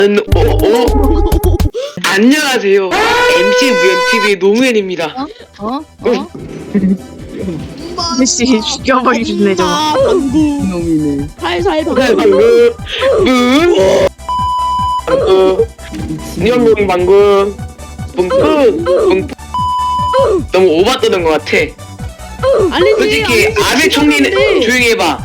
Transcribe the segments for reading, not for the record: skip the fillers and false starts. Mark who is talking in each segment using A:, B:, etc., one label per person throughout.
A: 안녕하세요. MC 무연TV의 노무현입니다.
B: 씨 죽여버리겠네 저거.
C: 방구
D: 놈이네.
C: 살살 방구
A: 방금 방금 너무 오바 떠는 것 같아.
C: 아니지
A: 솔직히 아베 총리는 조용히 해봐.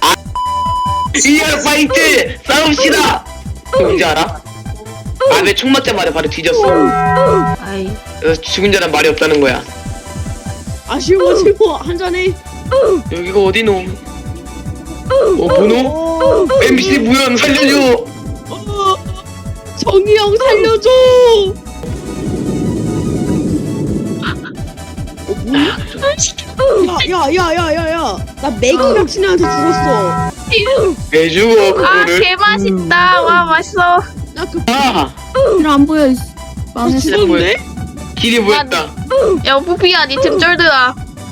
A: 리얼 파이트 싸웁시다. 뭔지 알아? 아베 총 맞자마자 바로 뒤졌어.
B: 아이
A: 그래서 죽은 자는 말이 없다는 거야.
C: 아쉬워 한잔해
A: 여기가 어디노? 뭐노? MC 무연 살려줘.
C: 정이 형 살려줘 야야야야야야 나 매기 격신한테 죽었어
A: 왜 죽어
B: 아
A: 그거를?
B: 개맛있다. 와 맛있어.
C: 나그
A: 아
B: 안 보여. 망했어.
C: 죽었네?
A: 길이 보였다.
B: 야 부피야 니 템 쩔드야.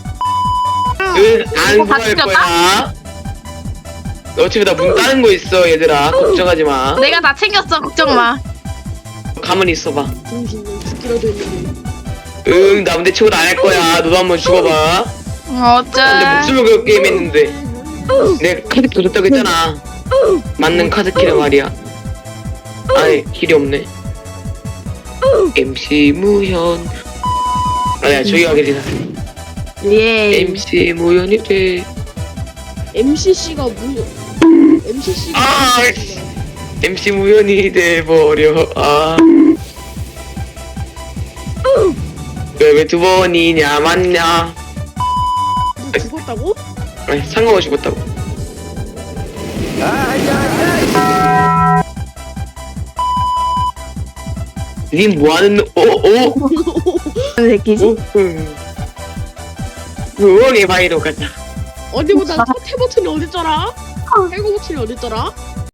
A: 안
B: 이거
A: 구할
B: 바뀌었다?
A: 거야. 어차피 나 문 따는 거 있어 얘들아. 걱정하지 마.
B: 내가 다 챙겼어 걱정 마.
A: 가만히 있어봐.
C: 정신은 죽기라도 했는데
A: 응, 나 근데 최고도 안 할 거야. 너도 한번 죽어봐. 근데
B: 어째?
A: 목숨을 걸고 게임 했는데 내가 카드 줬다고 했잖아. 맞는 카드 키를 말이야. 아니 길이 없네. MC 무현. 아니야 저기 가게 되나.
B: 예.
A: MC 무현이 돼.
C: MCC가 무슨 MCC가
A: 아, MC 무현이 돼버려. 아. 왜 두 번이냐 맞냐?
C: 너 죽었다고?
A: 아니 상관없이 죽었다고. 님 뭐하는
B: 새끼지?
A: 우엉의 바위로 가자.
C: 어디보다 첫 해버튼이 어딨더라? 해고 버튼이 어딨더라?